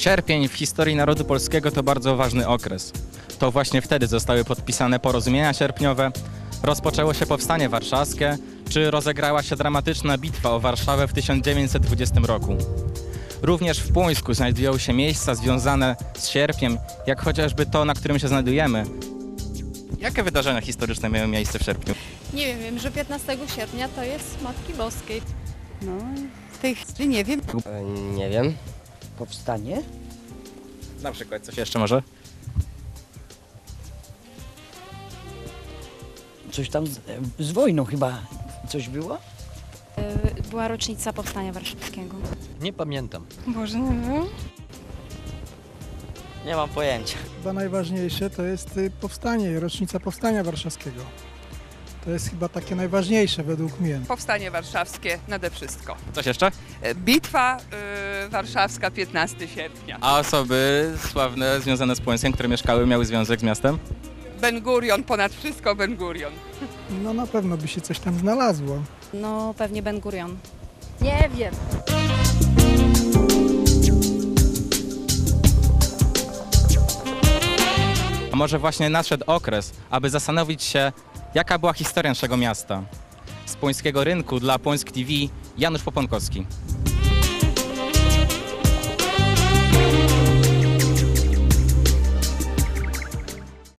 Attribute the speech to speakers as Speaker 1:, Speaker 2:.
Speaker 1: Sierpień w historii narodu polskiego to bardzo ważny okres. To właśnie wtedy zostały podpisane porozumienia sierpniowe, rozpoczęło się Powstanie Warszawskie, czy rozegrała się dramatyczna bitwa o Warszawę w 1920 roku. Również w Płońsku znajdują się miejsca związane z sierpniem, jak chociażby to, na którym się znajdujemy. Jakie wydarzenia historyczne miały miejsce w sierpniu?
Speaker 2: Nie wiem, że 15 sierpnia to jest Matki Boskiej.
Speaker 3: No, w tej chwili nie wiem.
Speaker 4: Nie wiem.
Speaker 3: Powstanie?
Speaker 1: Na przykład coś jeszcze może?
Speaker 3: Coś tam z wojną chyba. Coś było?
Speaker 5: Była rocznica Powstania Warszawskiego.
Speaker 6: Nie pamiętam.
Speaker 5: Boże, nie wiem.
Speaker 4: Nie mam pojęcia.
Speaker 7: Chyba najważniejsze to jest powstanie, rocznica Powstania Warszawskiego. To jest chyba takie najważniejsze według mnie.
Speaker 8: Powstanie warszawskie nade wszystko.
Speaker 1: Coś jeszcze?
Speaker 8: Bitwa warszawska 15 sierpnia.
Speaker 1: A osoby sławne związane z Płońskiem, które mieszkały, miały związek z miastem?
Speaker 8: Ben Gurion, ponad wszystko Ben Gurion.
Speaker 7: No na pewno by się coś tam znalazło.
Speaker 5: No pewnie Ben Gurion.
Speaker 2: Nie wiem.
Speaker 1: A może właśnie nadszedł okres, aby zastanowić się, jaka była historia naszego miasta. Z Płońskiego Rynku dla Płońsk TV Janusz Poponkowski.